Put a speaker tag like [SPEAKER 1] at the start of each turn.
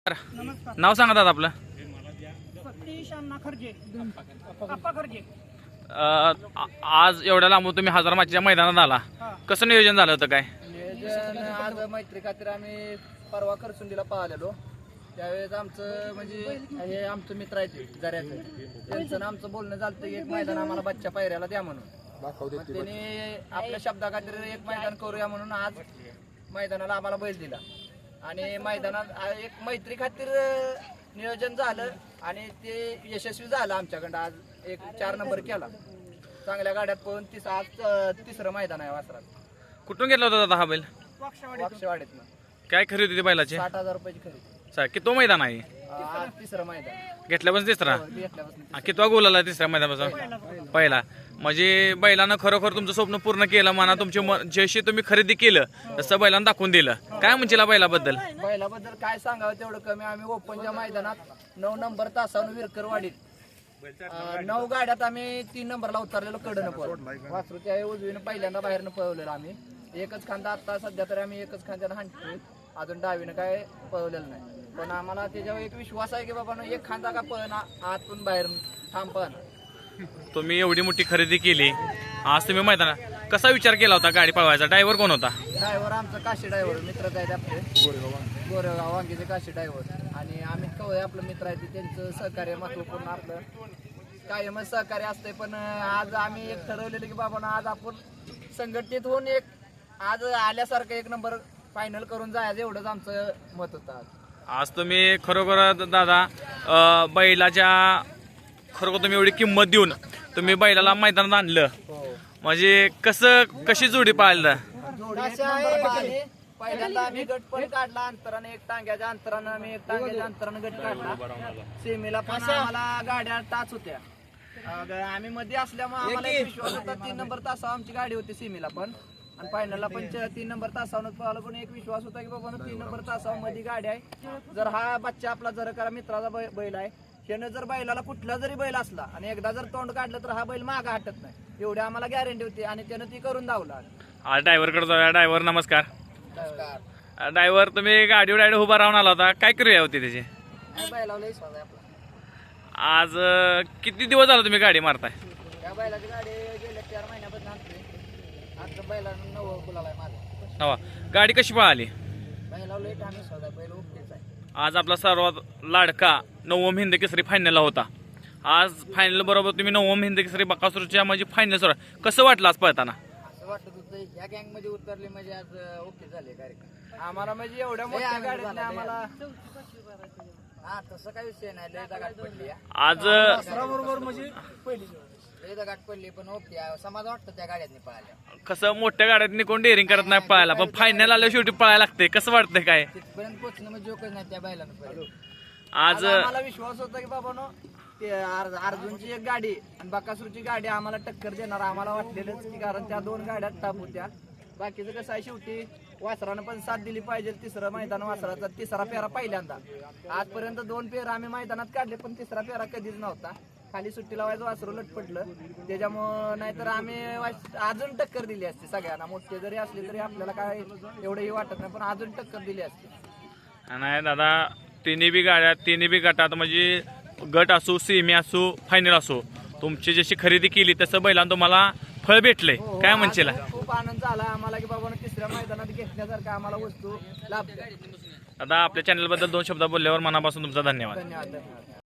[SPEAKER 1] नमस्कार.
[SPEAKER 2] नाव सांगा दादा आपलं.
[SPEAKER 1] सतीश अण्णा खर्जे, अप्पा खर्जे.
[SPEAKER 2] आज एवढ्या लांबून तुम्ही हजार माचीच्या मैदानात आला.
[SPEAKER 1] हा.
[SPEAKER 2] कसं नियोजन झालं होतं काय?
[SPEAKER 3] नियोजन आज मैत्री खातीर आम्ही परवा करसुंडीला पाहिलेलो. त्यावेळेस आमचं म्हणजे हे आमचं मित्र आहे ते जऱ्याचं, त्यांचं आमचं बोलणं झालं की एक मैदान आम्हाला बच्चा पायऱ्याला द्या म्हणून. मग त्यांनी आपल्या शब्दा खातीर एक मैदान करूया म्हणून आज मैदानाला आम्हाला बैल दिला आणि मैदानात एक मैत्री खातीर नियोजन झालं आणि ते यशस्वी झालं आमच्याकडं. आज एक 4 नंबर केला चांगल्या गाड्यात पळून. आज तिसरं मैदान आहे वासरात.
[SPEAKER 2] कुठून घेतला होता दादा हा बैल?
[SPEAKER 3] वाक्षवाडीतनं.
[SPEAKER 2] काय खरेदी होती बैलाची?
[SPEAKER 3] 60,000 रुपयाची खरेदी.
[SPEAKER 2] किती मैदान आहे?
[SPEAKER 3] आज तिसरं मैदान
[SPEAKER 2] घेतल्यापासून तिसरा.
[SPEAKER 3] घेतल्यापासून
[SPEAKER 2] कितवा गोल आला तिसऱ्या मैदानापासून? पहिला. म्हणजे बैलानं खरोखर तुमचं स्वप्न पूर्ण केलं म्हणा. तुमचे जशी तुम्ही खरेदी केलं तसं बैलानं दाखवून दिलं. काय म्हणशील बैलाबद्दल?
[SPEAKER 3] बैलाबद्दल काय सांगावं तेवढं कमी. आम्ही ओपनच्या मैदानात 9 नंबर तासावर विरकरवाडीत 9 गाड्यात आम्ही 3 नंबरला उतरलेलो कडनं पळून. वासरू त्या उजवीनं पहिल्यांदा बाहेरनं पळवलेलं आम्ही. एकच खांदा आता सध्या तरी आम्ही एकच खांद्यानं हाणतोय. अजून डावीनं काय पळवलेलं नाही. पण आम्हाला त्याच्यावर एक विश्वास आहे की बाबा एक खांदा का पळना आतून बाहेर ठाम पळना.
[SPEAKER 2] तुम्ही एवढी मोठी खरेदी केली, आज तुम्ही मैदानात कसा विचार केला होता गाडी पळवायचा? ड्रायव्हर कोण होता?
[SPEAKER 3] ड्रायव्हर आमचा काशी ड्रायव्हर मित्रच आहेत आपले, गोरेगाव वांगीचे काशी ड्रायव्हर. आणि आम्ही कवळे आपलं मित्र आहे त्यांचं सहकार्य महत्वपूर्ण आपलं कायमच सहकार्य असतंय. पण आज आम्ही एक ठरवलेलं की बाबा आज आपण संघटित होऊन एक आज आल्यासारखं 1 नंबर फायनल करून जायचं एवढंच आमचं मत होतं.
[SPEAKER 2] आज तुम्ही खरोखर दादा बैलाच्या खरोखर तुम्ही एवढी किंमत देऊन तुम्ही बैलाला मैदानात आणलं. म्हणजे कशी जोडी पाळलं?
[SPEAKER 3] पहिल्यांदा आम्ही गट पण काढला अंतराने, एक टांग्याच्या अंतरानं आम्ही एक टांग्याच्या अंतरानं गट काढला. सेमीला पण आम्हाला गाड्या टाच होत्या. आम्ही मध्ये असल्यामुळे आम्हाला एक विश्वास होता 3 नंबर तासावर आमची गाडी होती सेमीला पण आणि फायनलला पण 3 नंबर तासावर पळाला. पण एक विश्वास होता की बाबा 3 नंबर तासावर मध्ये गाडी आहे. जर हा बच्चा आपला जर करा मित्राचा बैल आहे, त्यानं जर बैलाला कुठला जरी बैल असला आणि एकदा जर तोंड काढलं तर हा बैल मागं हटत नाही एवढी आम्हाला गॅरंटी होती आणि त्यानं ती करून दावला.
[SPEAKER 2] आज ड्रायव्हरकडे जाऊया. ड्रायव्हर नमस्कार. ड्रायव्हर तुम्ही गाडीवर डायरेक्ट उभा राहून आला होता, काय करूया होती त्याची?
[SPEAKER 3] बैलाला विश्वास आहे आपला.
[SPEAKER 2] आज किती दिवस झाला तुम्ही गाडी मारताय?
[SPEAKER 3] त्या बैलाची गाडी गेल्या 4 महिन्यापासून आणतोय. आता बैलानं 9 गुलाल आहे माझा.
[SPEAKER 2] हवा गाडी कशी पळाली?
[SPEAKER 3] बैलाला लेट आम्ही स्वतः बैल ओकेच आहे.
[SPEAKER 2] आज आपला सर्वात लाडका 9वा हिंद केसरी फायनलला होता. आज फायनल बरोबर तुम्ही 9वा हिंद केसरी बकासूरच्या म्हणजे फायनल सुरू. कसं वाटलं आज पळताना?
[SPEAKER 3] असं वाटत होतं ह्या गँग मध्ये उतरले म्हणजे आज ओके झाले कार्यक्रम आम्हाला. म्हणजे एवढ्या मोठ्या गाड्यात आम्हाला हा तसं काही विषय नाही. लय गाठ पडली
[SPEAKER 2] आज
[SPEAKER 1] बरोबर म्हणजे पहिली
[SPEAKER 3] लय गाठ पडली पण ओके समाज वाटतं त्या गाड्यांनी पळाल्या.
[SPEAKER 2] कसं मोठ्या गाड्यात कोण डेअरिंग करत नाही पळायला, पण फायनल आल्या शेवटी पळायला लागते. कसं वाटतंय काय
[SPEAKER 3] तिथपर्यंत पोहोचणं म्हणजे जोकच नाही त्या बैलानं.
[SPEAKER 2] आज
[SPEAKER 3] आम्हाला विश्वास होता की बाबा नो ते अर्जुनची एक गाडी आणि बकासूरची गाडी आम्हाला टक्कर देणार आम्हाला वाटलेलंच की, कारण त्या 2 गाड्या टप होत्या. बाकीचं कसं आहे शेवटी वासरानं पण साथ दिली पाहिजे. तिसरं मैदान वासराचा 3रा फेरा पहिल्यांदा. आजपर्यंत 2 फेरा आम्ही मैदानात काढले पण 3रा फेरा कधीच नव्हता. खाली सुट्टी लावायचं वासरू लटपटलं त्याच्यामुळं. नाहीतर आम्ही अजून टक्कर दिली असते सगळ्यांना. मोठे जरी असले तरी आपल्याला काय एवढंही वाटत नाही पण अजून टक्कर दिली असते.
[SPEAKER 2] नाही दादा, तिन्ही बी गाड्या तिन्ही बी गटात म्हणजे गट असो सेमी असो फायनल असो तुमची जशी खरेदी केली तसं बैलांना तुम्हाला फळ भेटलंय. काय म्हणशील?
[SPEAKER 3] खूप आनंद झाला आम्हाला की बाबा 3ऱ्या मैदानात घेतल्यासारखं आम्हाला वस्तू लाभल्या.
[SPEAKER 2] दादा आपल्या चॅनलबद्दल 2 शब्द बोलल्यावर मनापासून तुमचा धन्यवाद.
[SPEAKER 3] धन्यवाद.